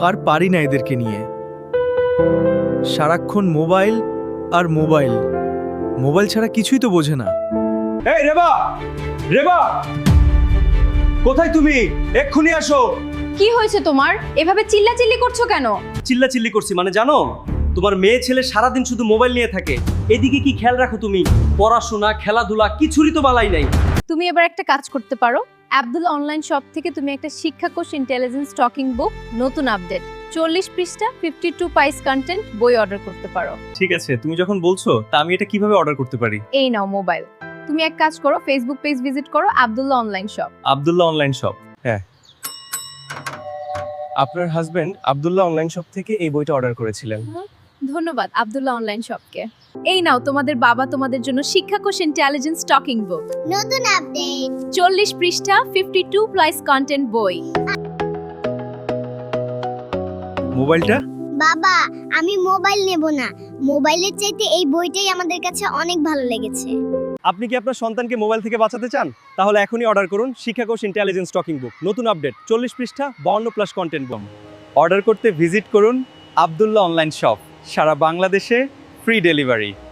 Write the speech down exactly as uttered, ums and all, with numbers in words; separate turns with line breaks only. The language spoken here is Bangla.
আর পারি না এদেরকে নিয়ে। সারাক্ষণ মোবাইল আর মোবাইল, মোবাইল ছাড়া কিছুই তো বোঝে না।
এই রেবা, রেবা, কোথায় তুমি? এক্ষুনি আসো।
কি হয়েছে তোমার? এভাবে চিল্লাচিল্লি করছো কেন?
চিল্লা চিল্লি করছি মানে জানো, তোমার মেয়ে ছেলে সারাদিন শুধু মোবাইল নিয়ে থাকে। এদিকে কি খেয়াল রাখো তুমি? পড়াশোনা, খেলাধুলা কিছুরই তো বালাই নাই।
তুমি এবার একটা কাজ করতে পারো। আব্দুল অনলাইন শপ থেকে তুমি একটা শিক্ষাকোষ ইন্টেলিজেন্স টকিং বুক নতুন আপডেট চল্লিশ পৃষ্ঠা ফিফটি টু পাইস কন্টেন্ট বই অর্ডার করতে পারো।
ঠিক আছে, তুমি যখন বলছো তা আমি এটা কিভাবে অর্ডার করতে পারি?
এই নাও মোবাইল। তুমি এক কাজ করো, ফেসবুক পেজ ভিজিট করো Abdullah online shop.
Abdullah online shop, হ্যাঁ। আপনার হাজবেন্ড আব্দুল্লাহ অনলাইন শপ থেকে এই বইটা অর্ডার করেছিলেন।
ধন্যবাদ আব্দুল্লাহ অনলাইন শপকে। এই নাও তোমাদের বাবা তোমাদের জন্য শিক্ষাকোষ ইন্টেলিজেন্স টকিং বুক
নতুন আপডেট
চল্লিশ পৃষ্ঠা ফিফটি টু প্লাস কন্টেন্ট বই।
মোবাইলটা?
বাবা, আমি মোবাইল নেব না। মোবাইলের চাইতে এই বইটাই আমাদের কাছে অনেক ভালো লেগেছে।
আপনি কি আপনার সন্তানকে মোবাইল থেকে বাঁচাতে চান? তাহলে এখনই অর্ডার করুন শিক্ষাকোষ ইন্টেলিজেন্স টকিং বুক নতুন আপডেট চল্লিশ পৃষ্ঠা বাউন্ন প্লাস কন্টেন্ট বুক। অর্ডার করতে ভিজিট করুন আব্দুল্লাহ অনলাইন শপ। সারা বাংলাদেশে ফ্রি ডেলিভারি।